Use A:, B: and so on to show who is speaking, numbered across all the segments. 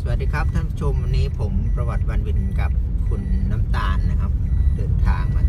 A: วัสดีครับท่านผู้ชมวันนี้ผมประวัติวันวินกับคุณน้ำตาลนะครับเดินทางมา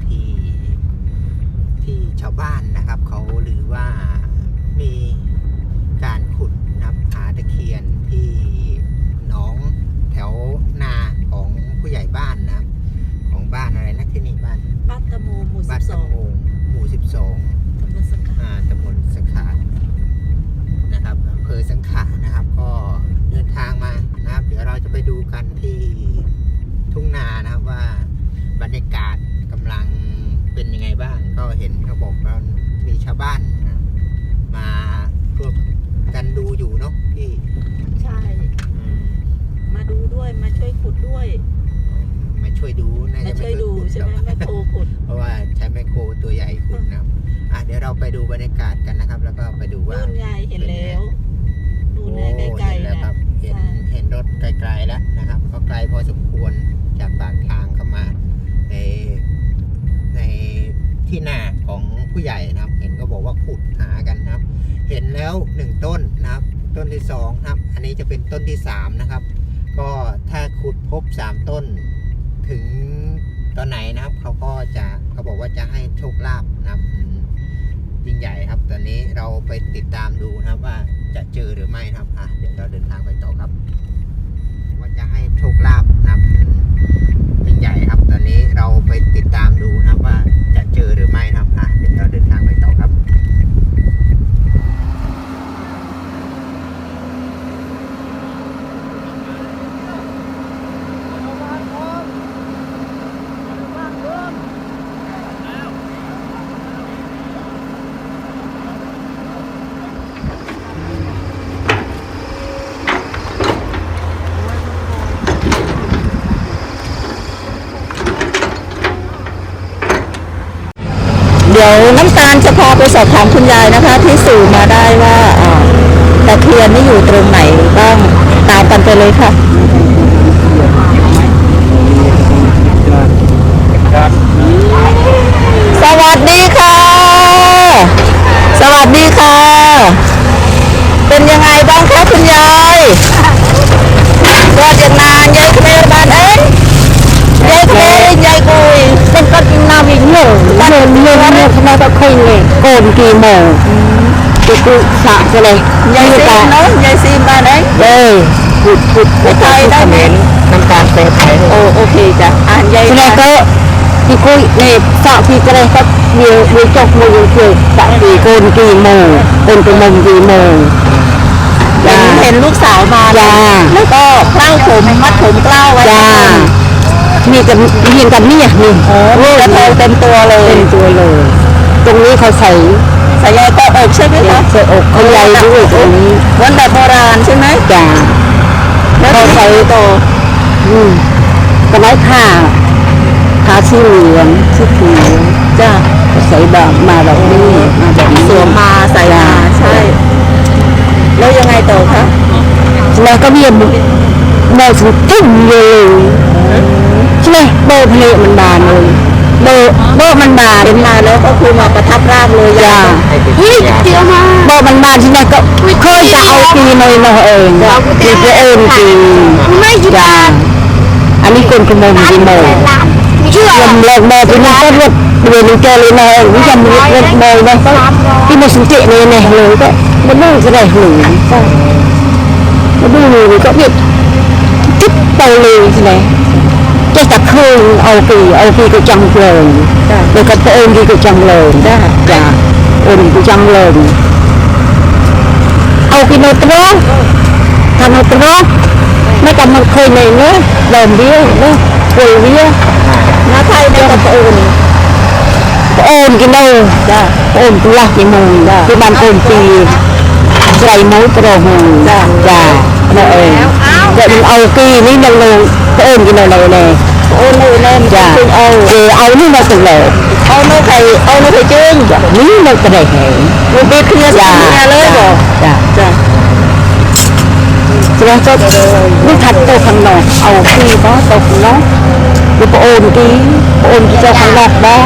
A: ที่ชาวบ้านนะครับเขาหรือว่ามีการขุดนับหาตะเคียนที่หนองแถวนาของผู้ใหญ่บ้านนะครับของบ้านอะไรนะที่นี่บ้าน
B: ตะโมหมู่
A: บ้านตะโมหมู่ 12ตำบลสังขารนะครับอำเภอสังขารนะครับก็เดินทางมานะครับเดี๋ยวเราจะไปดูกันที่ทุ่งนานะครับว่าบรรยากาศกำลังเป็นยังไงบ้างก็เห็นเขาบอกว่ามีชาวบ้านมาร่วมกันดูอยู่เนาะพี่
B: ใช่มาดูด้วยมาช่วยขุดด้วย
A: มาช่วยดูน่าจะไม่ช่วยดู
B: ใช่ไหมแม่โคขุด
A: เพราะว่าใช้แม่โคตัวใหญ่ขุดนะครับเดี๋ยวเราไปดูบรรยากาศกันนะครับแล้วก็ไปดูว่า
B: นู่นไงเห็นแล้วนู่นไงไกลๆ
A: แล้วครับเห็นรถไกลๆแล้วนะครับก็ไกลพอสมควรจากปากทางเข้ามาในที่นาของผู้ใหญ่นะครับเห็นก็บอกว่าขุดหากันนะครับเห็นแล้ว1ต้นนะครับต้นที่2ครับอันนี้จะเป็นต้นที่3นะครับก็ถ้าขุดพบ3ต้นถึงตอนไหนนะครับเขาบอกว่าจะให้โชคลาภนะครับยิ่งใหญ่ครับตอนนี้เราไปติดตามดูนะครับว่าจะเจอหรือไม่นะครับเดี๋ยวเราเดินทางไปต่อครับว่าจะให้โชคลาภนะครับยิ่งใหญ่ครับตอนนี้เราไปติดตามดูนะครับว่าจะเจอหรือไม่นะครับเดี๋ยวเราเดินทางไปต่อครับ
B: เดี๋ยวน้ำตาลจะพาไปสอบถามคุณยายนะคะที่สื่อมาได้ว่าตะเคียนนี่อยู่ตรงไหนบ้างตามกันไปเลยค่ะสวัสดีค่ะสวัสดีค่ะเป็นยังไงบ้างคะคุณยายก็ยังนานยายเมย์บ้านเอ้ยยายเมย์ยายกุยเป็นคนนาวิ่งเหนื่อยทำไมต้องคุยเลยโกนกี่โมงกูสะเลยยายซีเนาะยายซีบ้านเอ้ยพูดไทยได้ไหม
A: น้ำตาลเตะไทย
B: โอเคจ้ะยายแล้วก็พี่คุยเนี่ยสะพี่ก็เลยก็มีจกมือคือสะพี่โกนกี่โมงเป็นกี่โมงกี่โมงเห็นลูกสาวมาแล้วก็เคล้าผมมัดผมเกล้าไว้มีกันเรียนกันนี่นี่กระเทยเต็มตัวเลยตรงนี้เขาใส่ใยก็อกใช่ไหมคะใส่อกเขาใยด้วยตรงนี้วันแบบโบราณใช่ไหมจ้าแล้วเขาใส่โตกระไม้ผ้าสีเหลืองสีเขียวจ้าใส่แบบมาแบบนี้มาแบบสวมมาใส่มาใช่แล้วยังไงต่อคะแล้วก็เบียนโบสุดทิ้งเลยใช่ไหมโบเพลมันบานเลยโบมันบานเป็นมาแล้วก็คือมาประทับร่างเลยจ้าเฮ้ยเจียวมาโบมันบานใช่ไหมก็เคยจะเอาปีในเราเองปีเองปีไม่จ้าอันนี้คนขโมยกี่โมงยำเลิกโบเป็นนักรบเรียนเจริญเองวิจารณ์รบโบนะที่มาสังเกตเลยเนี่ยเลยก็มันนู่นก็ได้หนึ่งมันดูเลยก็เบียดจิ๊บเตเลยใช่ไหมจะตักคืนเอาปีก็จังเลยแล้วก็ตัวเองก็จังเลยจ้าอุ่นก็จังเลยเอาปีโนตโรทำโนตโรไม่กำมันเคยในเนื้อเดิมเบี้ยวเนื้อป่วยเบี้ยวน้าไทยได้กับอุ่นกินเลยจ้าอุ่นตัวละกี่โมงที่บ้านอุ่นปีใส่หมูกระหูจ้านั่นเองเดี๋ยวมันเอากีนี่มันลงกินอะไรเลยจ้าเอานี่มาสุดเลยเอาโน้ตไข่จืดนี่มันกระเดะมันเป็นเครือจ้าเลยบอกจ้าแล้วก็นี่ถัดตัวข้างนอกเอากีบ้าตกเนาะดูโอนกีเจ้าข้างนอกบ้า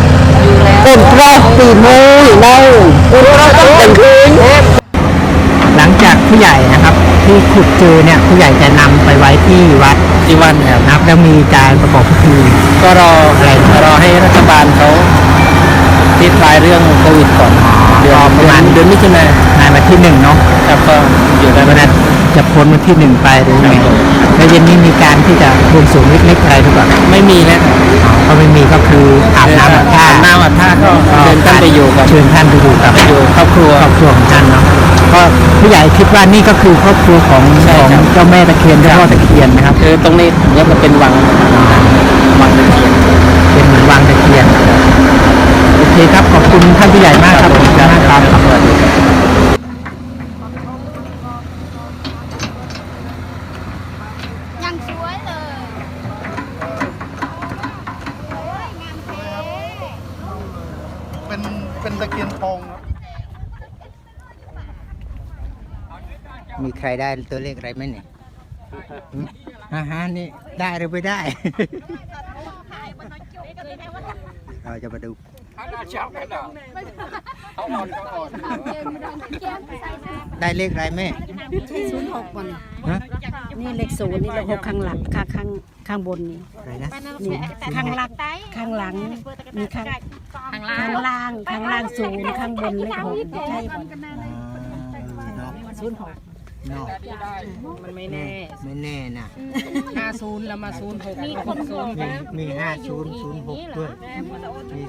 B: โอนเพราะตีมืออยู่เล่าโอนเราต้องเป็นคืน
A: หลังจากผู้ใหญ่นะครับ ที่ขุดเจอเนี่ยผู้ใหญ่จะนำไปไว้ที่วัดนะครับแล้วมีการประกอบพิธีก็รอให้รัฐบาลเขาคลี่คลายเรื่องโควิดก่อนเดือนประมาณเดือนมิถุนายนวันที่1เนาะครับก็อยู่ในวันนั้นจะพ้นวันที่1ไปหรือไงแล้วเย็นนี้มีการที่จะบวงสรวงเล็กๆอะไรหรือเปล่าไม่มีนะก็ไม่มีก็คืออาบน้ำอาบท่าก็เชิญท่านไปอยู่กับครอบครัวของท่านเนาะก็ผู้ใหญ่คิดว่านี่ก็คือครอบครัวของเจ้าแม่ตะเคียนเจ้าพ่อตะเคียนนะครับตรงนี้เนี่ยมันเป็นวังตะเคียนเป็นเหมือนวังตะเคียนโอเคครับขอบคุณท่านผู้ใหญ่มากครับผมจะให้ความสวัสดี
C: ยังสวยเลยโอ้ยงามเท่
D: เป็นตะเคียนทอง
A: มีใครได้ตัวเลขอะไรไหมเนี่ยนี่ได้หรือไม่ได้ เราจะมาดูได้เลขอะไรแม่
B: 06ก่อนนี่เลข0นี่เลข6ข้างหลังข้างบนนี่
A: อะไรนะ
B: นี่ข้างหลังมีข้างล่าง0ข้างบนเลข6ใช่ป่ะ06
A: นอก
B: มันไม่แน่
A: นะ
B: 50แล้วมา06มี60
A: มี5006ด้วยมี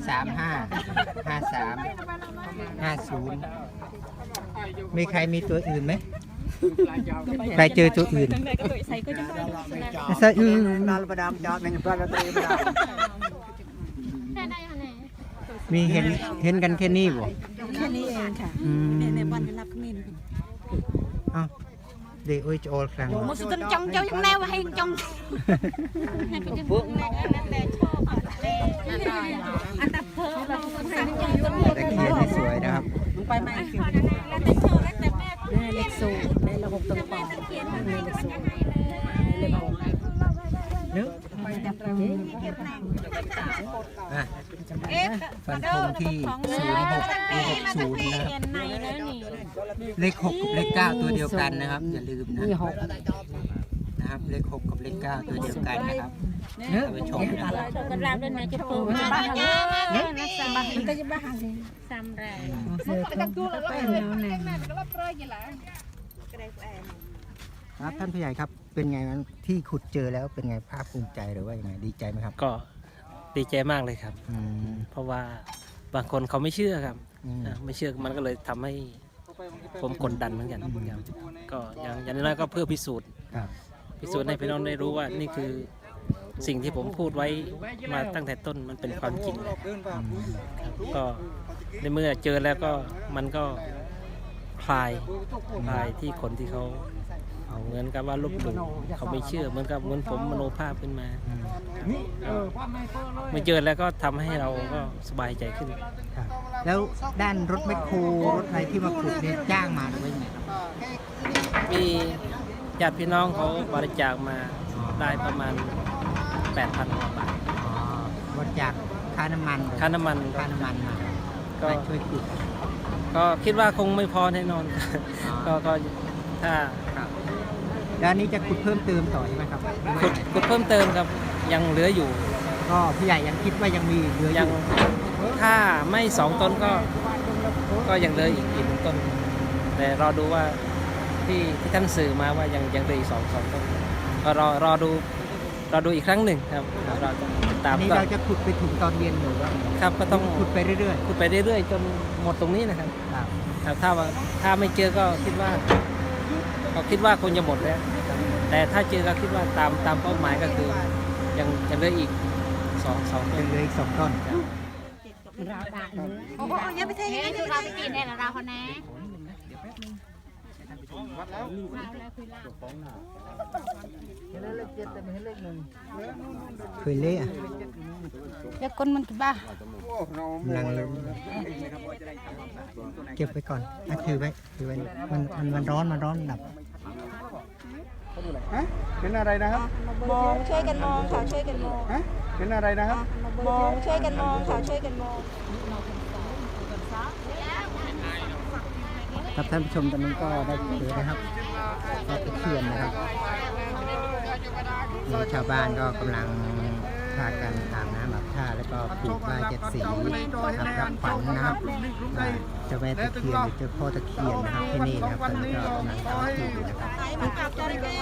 A: 355350มีใครมีตัวอื่นไหมใครเจอตัวอื่นใส่นาลประดามจอดในบ้านเราตัวมีเห็นกันแค่นี้บ่
B: แค่นี้เองค่ะในบ้านรับขมิ้น
A: เด็กโอ้ยโจลครั้ง
C: มุสลิมจังยังแนวให้จัง
A: ตะเคียนสวยนะครับ
B: ไปไหมเลข0ในระบบต่างๆเลข0เลข6
A: นึกฟันธงที่0660นะครับเลข6กับเลข9ตัวเดียวกันนะครับอย่าลืมนะครับเลข6กับเลข9ตัวเดียวกันนะครับไปชมนะครับ
C: กันราวด้วยนะจะปูจะบ้านะสบายก็จะบ้าเลยซ้ำแรง
A: ครับท่านผู้ใหญ่ครับเป็นไงนั้นที่ขุดเจอแล้วเป็นไงภาคภูมิใจหรือว่ายังไงดีใจไหมครับ
E: ก็ดีใจมากเลยครับเพราะว่าบางคนเขาไม่เชื่อครับไม่เชื่อมันก็เลยทำให้ผมกดดันเหมือนกันก็อย่างน้อยก็เพื่อพิสูจน์ให้พี่น้องได้รู้ว่านี่คือสิ่งที่ผมพูดไว้มาตั้งแต่ต้นมันเป็นความจริงก็ในเมื่อเจอแล้วก็มันก็คลายที่คนที่เขาเหมือนกับว่าลบหลู่เขาไม่เชื่อเหมือนผมมโนภาพขึ้นมาเมื่อเจอแล้วก็ทำให้เราก็สบายใจขึ้น
A: แล้วด้านรถแมคโครรถอะไรที่มาขุดเนี่ยจ้างมาหรือว่ายังไง
E: มีญาติพี่น้องเขาบริจาคมาได้ประมาณ 8,000 กว่าบาท
A: บริจาคค่าน้ำมันมาก็ช่วยขุด
E: ก็คิดว่าคงไม่พอแน่นอนก็ถ้า
A: ด้านนี้จะขุดเพิ่มเติมต่อใช่ไหมครับ
E: ขุดเพิ่มเติมครับยังเหลืออยู่
A: ก็พี่ใหญ่ยังคิดว่ายังมีเหลืออยู่
E: ถ้าไม่2 ต้นก็ยังเหลืออีก1 ต้นแต่รอดูว่าที่ท่านสื่อมาว่ายังเหลืออีก2 ต้นก็รอดูอีกครั้งหนึ่งครับเราจะตาม
A: นี้เราจะขุดไปถึงตอนเย็นหรือว่า
E: ครับก็ต้อง
A: ขุดไปเรื่อย
E: ๆจนหมดตรงนี้นะครับถ้าไม่เจอก็คิดว่าคงจะหมดแล้วแต่ถ้าเจอก็คิดว่าตามเป้าหมายก็คือยังเหลืออีก2 ต้น
A: เหลืออีก2 ต้น
C: เราได้โอ้ยไปเทให้เราไปกินได้แล้วเราคนแน่
A: เคยเละ
C: เด็กคนมันกี่บ้า
A: ลังเลยเก็บไปก่อนถือไว้มันร้อนดับ
D: เป็นอะไรนะครับ
C: มองช่วยกันมองค่ะช่วยกันมอง
D: เป็นอะไรนะครับ
C: มองช่วยกันมองค่ะช่วยกันมอง
A: ครับท่านผู้ชมตอนนี้ก็ได้เจอนะครับปลาตะเพียนนะครับนี่ชาวบ้านก็กำลังพากันอาบน้ำอาบท่าแล้วก็ผูกผ้าเจ็ดสีครับรับขวัญนะครับเจ้าแม่ตะเคียนหรือเจ้าพ่อตะเคียนนะครับที่นี่นะครับตอนนี้ก็กำลังทำพิธีอยู่นะครับ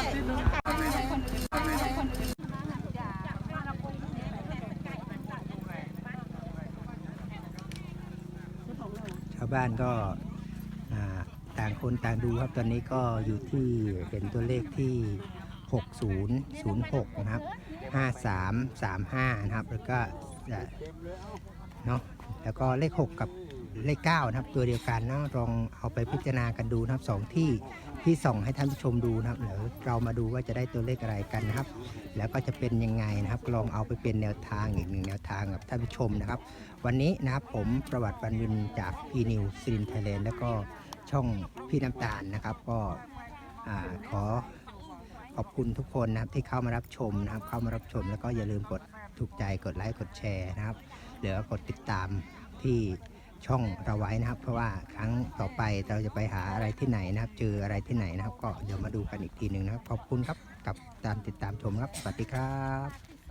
A: ชาวบ้านก็ต่างคนต่างดูครับตอนนี้ก็อยู่ที่เห็นตัวเลขที่6006นะครับ5335นะครับแล้วก็เนาะแล้วก็เลข6กับเลข9นะครับตัวเดียวกันเนาะลองเอาไปพิจารณากันดูนะครับ2ที่ส่องให้ท่านผู้ชมดูนะครับเดี๋ยวเรามาดูว่าจะได้ตัวเลขอะไรกันนะครับแล้วก็จะเป็นยังไงนะครับลองเอาไปเป็นแนวทางอีกหนึ่งแนวทางกับท่านผู้ชมนะครับวันนี้นะครับผมประวัติวันวินจากพีนิวซีรินไทยแลนด์แล้วก็ช่องพี่น้ำตาลนะครับก็ขอขอบคุณทุกคนนะครับที่เข้ามารับชมนะครับเข้ามารับชมแล้วก็อย่าลืมกดถูกใจกดไลค์กดแชร์นะครับหรือกดติดตามที่ช่องเราไว้นะครับเพราะว่าครั้งต่อไปเราจะไปหาอะไรที่ไหนนะครับเจออะไรที่ไหนนะครับก็เดี๋ยวมาดูกันอีกทีหนึ่งนะครับขอบคุณครับกับติดตามชมครับสวัสดีครับ